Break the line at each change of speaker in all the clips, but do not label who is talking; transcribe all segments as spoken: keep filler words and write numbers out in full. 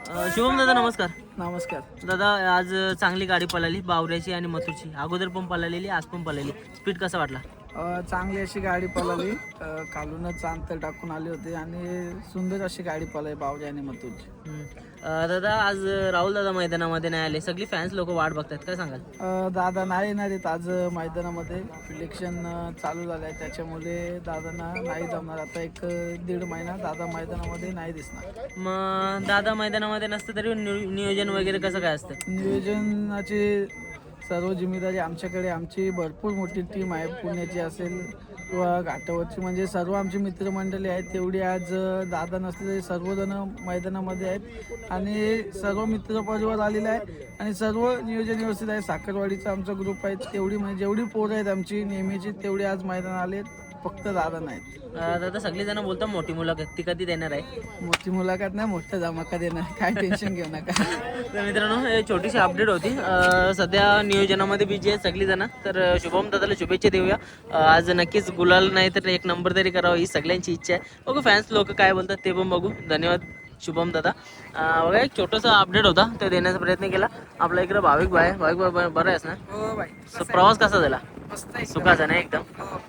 अ, शुभम दादा नमस्कार.
नमस्कार.
दादा आज चांगली गाडी पळाली बावऱ्याची आणि मथुरची. अगोदर पण पळालेली आज पण पळाली. स्पीड कसा वाटला?
अ, चांगली अशी गाडी पळाली. अ, खालूनच अंतर टाकून आली होती आणि सुंदर अशी गाडी पळाली बावजी आणि मथुरची.
हम्म. अ, दादा आज राहुल दादा मैदानामध्ये नाही आले. सगळी फॅन्स लोक वाट बघतात, काय सांगाल?
अ, दादा नाही येणार आहेत आज मैदानामध्ये. इलेक्शन चालू झालं आहे त्याच्यामुळे दादांना नाही जमणार. आता एक अ, दीड महिना दादा मैदानामध्ये नाही दिसणार.
मग दादा मैदानामध्ये नसतं तरी नियो- नियोजन वगैरे कसं काय असतं?
नियोजनाची सर्व जिम्मेदारी आमच्याकडे. आमची भरपूर मोठी टीम आहे, पुण्याची असेल किंवा घाटावरची, म्हणजे सर्व आमची मित्रमंडळी आहेत. तेवढी आज अ, दादा नसले तरी सर्वजण मैदानामध्ये आहेत आणि सर्व मित्रपरिवार आलेला आहे आणि सर्व नियोजन व्यवस्थित आहे. साखरवाडीचा आमचा ग्रुप आहे, तेवढी म्हणजे जेवढी पोरं आहेत आमची नेहमीची तेवढी आज मैदान आले. फक्त दादा नाहीत.
अ, दादा सगळी जण बोलतात मोठी मुलाखत ती कधी देणार आहे?
मोठी मुलाखत नाही, मोठा धमाका देणार. काय टेन्शन घेऊ नका.
तर मित्रांनो हे छोटीशी अपडेट होती. अ, सध्या नियोजनामध्ये बिजी आहे सगळी जण. तर अ, शुभम दादाला शुभेच्छा देऊया. अ, आज नक्कीच गुलाल नाही तर एक नंबर तरी करावा ही सगळ्यांची इच्छा आहे. बघू फॅन्स लोक काय बोलतात ते पण बघू. धन्यवाद शुभम दादा. अ, बघा एक छोटासा अपडेट होता ते देण्याचा प्रयत्न केला. आपला इकडे भाविक भाई भाविक भाई बरं आहेस ना?
हो बाई.
So, प्रवास कसा झाला?
मस्त आहे.
सुखाचा ना एकदम?
हो.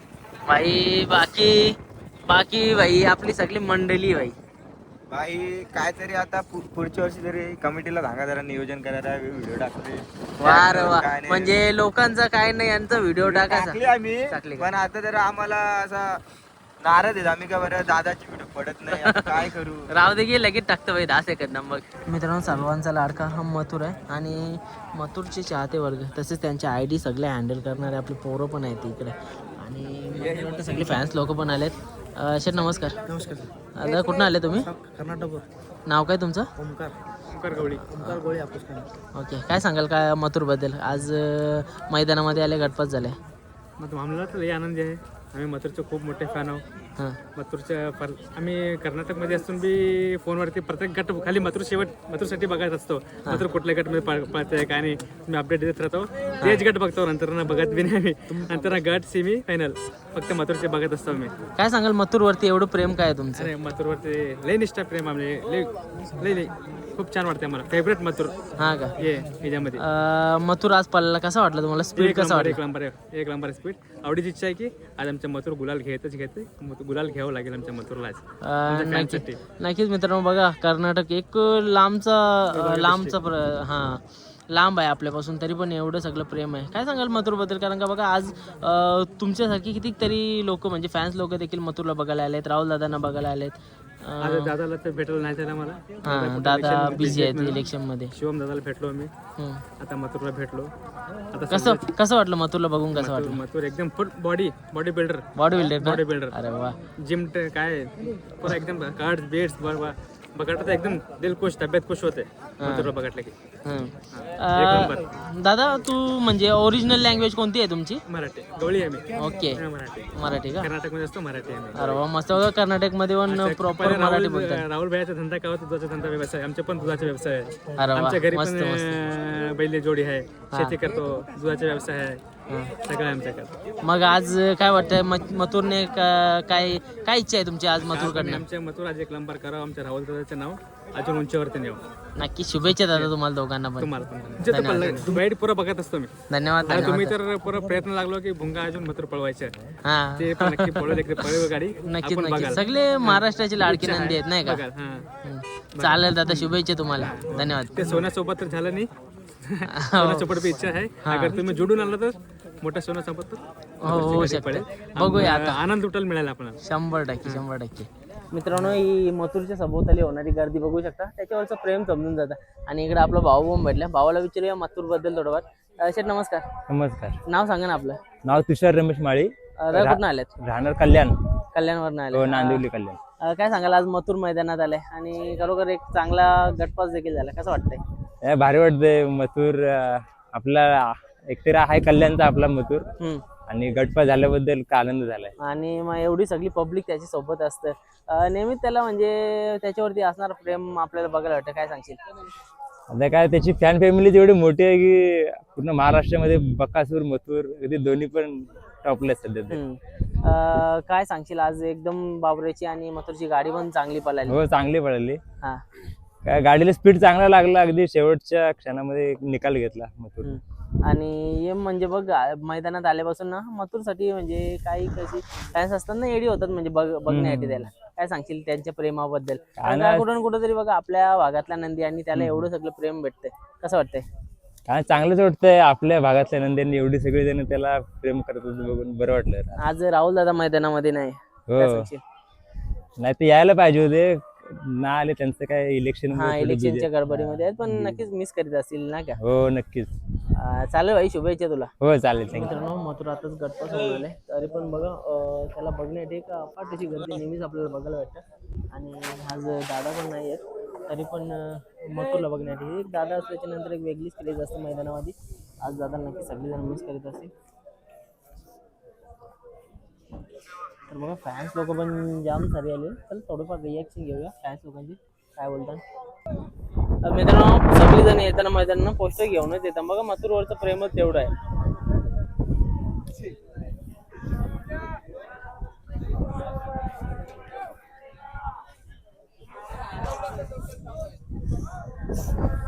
भाई बाकी बाकी भाई आपली सगळी मंडळी भाई.
भाई काहीतरी आता पु- पुढच्या वर्षी तरी कमिटीला सांगा जरा नियोजन करायला व्हिडिओ टाकते.
वार वा
काय नाही.
म्हणजे लोकांचा काय नाही यांचा व्हिडिओ
टाकली
टाकायचा.
आम्ही
टाकली का?
पण आता जर आम्हाला असा नाराज आहेत आम्ही का बरं दादाची व्हिडिओ पडत नाही आता काय करू.
राव दे की लगेच टाकतो भाई दहा सेकंद मग. मित्रांनो सर्वांचा लाडका हा मथुर आहे आणि मथुरचे चाहते वर्ग तसेच त्यांचे आय डी सगळे हँडल करणारे आपले पोरं पण आहेत इकडे आणि मला वाटतं सगळे फॅन्स लोक पण आलेत. अ, शेठ नमस्कार.
नमस्कार.
दादा कुठून आले तुम्ही?
कर्नाटक.
नाव काय तुमचं?
ओमकार. ओमकार गवळी. ओमकार गवळी आपस.
ओके काय सांगाल काय मथुरबद्दल? आज अ, मैदानामध्ये आले गटपात झाले.
मग आम्हाला तर लई आनंदी आहे. आम्ही मथुरचे खूप मोठे फॅन आहोत.
हां
मथुरच्या पर आम्ही कर्नाटकमध्ये असून बी फोनवरती प्रत्येक गट खाली मथुर शेवट मथुरसाठी बघत असतो. मथुर कुठल्या गटमध्ये पळ पळतंय काय नाही मी अपडेट देत राहतो. तेच गट बघतो, नंतर ना बघत बी नाही आम्ही. नंतर गट सेमी फायनल फक्त मथुरचे बघत असतो आम्ही.
काय सांगाल मथुरवरती एवढं प्रेम काय आहे तुमचं?
अरे मथुरवरती लई निष्ठा प्रेम आम्ही लई लई लई खूप छान वाटते आम्हाला. फेवरेट मथुर
हां का?
ये याच्यामध्ये
अ, मथुर आज पळाला कसा वाटला तुम्हाला? स्पीड
एक
कसा
नंबर
वाटला?
एक नंबर एक नंबर स्पीड. आवडीची इच्छा आहे की आज आमच्या मथुर गुलाल घेतच घेते. गुलाल घ्यावं लागेल आमच्या मथुरला आज.
अ, नक्की
फॅनसाठी.
नक्कीच मित्रांनो बघा कर्नाटक एक लांबचा अ, लांबचा प्र हां लांब आहे आपल्यापासून तरी पण एवढं सगळं प्रेम आहे. काय सांगाल मथुरबद्दल? कारण का बघा आज अ, तुमच्यासारखी कितीतरी लोक म्हणजे फॅन्स लोक देखील मथुरला बघायला आलेत, राहुल दादांना बघायला आलेत. अ,
आज दादाला तर भेटायला नाही झालं मला.
हां दादा बिझी आहेत इलेक्शनमध्ये.
शिवम दादाला भेटलो आम्ही.
हं.
आता मथुरला भेटलो. आता
कसं कसं वाटलं मथुरला बघून? कसं
मथुर
वाटलं?
मथुर एकदम full body body builder
body builder
body builder
अरे वा.
जिम काय पुरा एकदम कार्ड बेड्स बरोबर बघायला तर एकदम दिल खुश तब्येत खुश होते मथुरला बघितलं की.
हं.
एक
अ, दादा तू म्हणजे ओरिजिनल लँग्वेज कोणती आहे तुमची?
मराठी गवळी आहे मी.
ओके
हा, मराठी
मराठी का?
कर्नाटकमध्ये असतो मराठी आहे मी.
अरे वा मस्त बघा कर्नाटकमध्ये पण प्रॉपर
पहिले
मराठी
राहुल
बोलतात.
राहुल भाईचा धंदा काय होता? दुधाचा धंदा व्यवसाय. आमचे पण दुधाचा व्यवसाय आहे.
अरे वा
आमच्या घरी
मस्त
पण
मस्त.
अं, बैल जोडी आहे, शेती करतो, दुधाचा व्यवसाय आहे,
हं.
सगळं आहे आमच्याकडे.
मग आज काय वाटतंय म- मथुरने का- काय काय इच्छा आहे तुमची आज
आपण
मथुरकडनं?
आमच्या मथुर आज एक नंबर करावं. आमच्या राहुल दादाचं नाव अजून उंचीवरती नेऊ.
नक्की शुभेच्छा दादा तुम्हाला दोघांना पण.
तुम्हाला पण जे तर पडलं तू बाईट पुरा बघत असतो मी.
धन्यवाद
आणि तुम्ही
धन्यवाद.
तर पुरा प्रयत्न लागलो की भुंगा अजून मथुर पळवायचे.
हा
ते पण नक्की पळवले की पळव गाडी
नक्कीच
आपण
नक्की
बघाल.
सगळे महाराष्ट्राची लाडकी नंदी आहेत नाही का?
बघाल, हा.
हं. चालेल दादा शुभेच्छा तुम्हाला. धन्यवाद.
ते सोन्यासोबत तर झालं नाही. सोन्यासोबत बी इच्छा आहे. अगर तुम्ही जोडून आला तर मोठ्या सोन्यासोबत तर
हो होऊ
गाडी
शकतं.
पळेल.
बघूया
आम-
आता.
आनंद उठायला मिळाला आपल्याला.
शंभर टक्के शंभर टक्के. मित्रांनो ही मथुरच्या सभोवताली होणारी गर्दी बघू शकता, त्याच्यावरचं प्रेम समजून जातं. आणि इकडे आपला भाऊ पण भेटला. भावाला विचारूया मथुर बद्दल थोडंफार. अ, शेठ नमस्कार.
नमस्कार.
नाव सांगा ना आपलं.
नाव तुषार रमेश माळी,
अ, दादा कुठून आलेत?
राहणार कल्याण,
कल्याणवरून आले.
हो, नांदिवली कल्याण.
अ, काय सांगाल आज मथुर मैदानात आलाय आणि खरोखर एक चांगला गटपास देखील झाला, कसं वाटतंय?
हे भारी वाटतंय. मथुर अं, आपला एकतरी आहे कल्याणचा आपला मथुर
हम्म.
आणि गटपा झाल्याबद्दल का आनंद झालाय.
आणि मग एवढी सगळी पब्लिक त्याच्या सोबत असतं. अ, नेहमीच त्याला म्हणजे त्याच्यावरती असणार प्रेम आपल्याला बघायला वाटतं, काय सांगशील?
आता काय त्याची फॅन फॅमिली एवढी मोठी आहे की पूर्ण महाराष्ट्रामध्ये बकासूर मथुर अगदी दोन्ही पण टॉपले आहेत सध्या ते.
हम्म. अ, काय सांगशील आज एकदम बाबरेची आणि मथुरची गाडी पण चांगली पळाली.
हो चांगली पळाली.
हा
काय गाडीला स्पीड चांगला लागला, अगदी शेवटच्या क्षणामध्ये एक निकाल घेतला मथुर.
हम्म. आणि हे म्हणजे बघ आ- मैदानात आल्यापासून ना मथुरसाठी म्हणजे काही कशी फॅन्स असतात ना एडी होतात म्हणजे बघ बघण्यासाठी त्याला. काय सांगशील त्यांच्या प्रेमाबद्दल? कारण का कुठून कुठं तरी बघा आपल्या भागातला नंदी आणि त्याला एवढं सगळं प्रेम भेटतंय, कसं वाटतंय?
काय चांगलंच वाटतंय, आपल्या भागातल्या नंद्यांनी एवढी सगळी जण त्याला प्रेम करत होते बघून बरं वाटलं.
आज राहुल दादा मैदानामध्ये नाही, काय
हो,
सांगशील?
नाही ते यायला पाहिजे होते, ना आले. त्यांचं काय इलेक्शन
हा इलेक्शनच्या गडबडीमध्ये आहेत, पण नक्कीच मिस करीत असतील ना का?
हो नक्कीच.
अं, चालेल भाई, शुभेच्छा तुला.
हो चालेल, थँक्यू.
मित्रांनो मथुर आताच गटपास होऊन आले, तरी पण बघा अं, त्याला बघण्यासाठी एक अफाट अशी गर्दी नेहमीच आपल्याला बघायला भेटतं. आणि आज दादा पण नाही आहेत, तरी पण अं, मथुरला बघण्यासाठी एक दादा असल्याच्या नंतर एक वेगळीच क्रेज असते मैदानामध्ये. आज दादा नक्की सगळेजण मिस करीत असतील. तर बघा फॅन्स लोक पण जाम सारे आले, तर थोडंफार रिॲक्शन घेऊया फॅन्स लोकांची, काय बोलतात. तर मित्रांनो सगळेजण येताना मैदानानं पोस्टर घेऊनच येतात. बघा मथुरवरचं प्रेमच तेवढं आहे.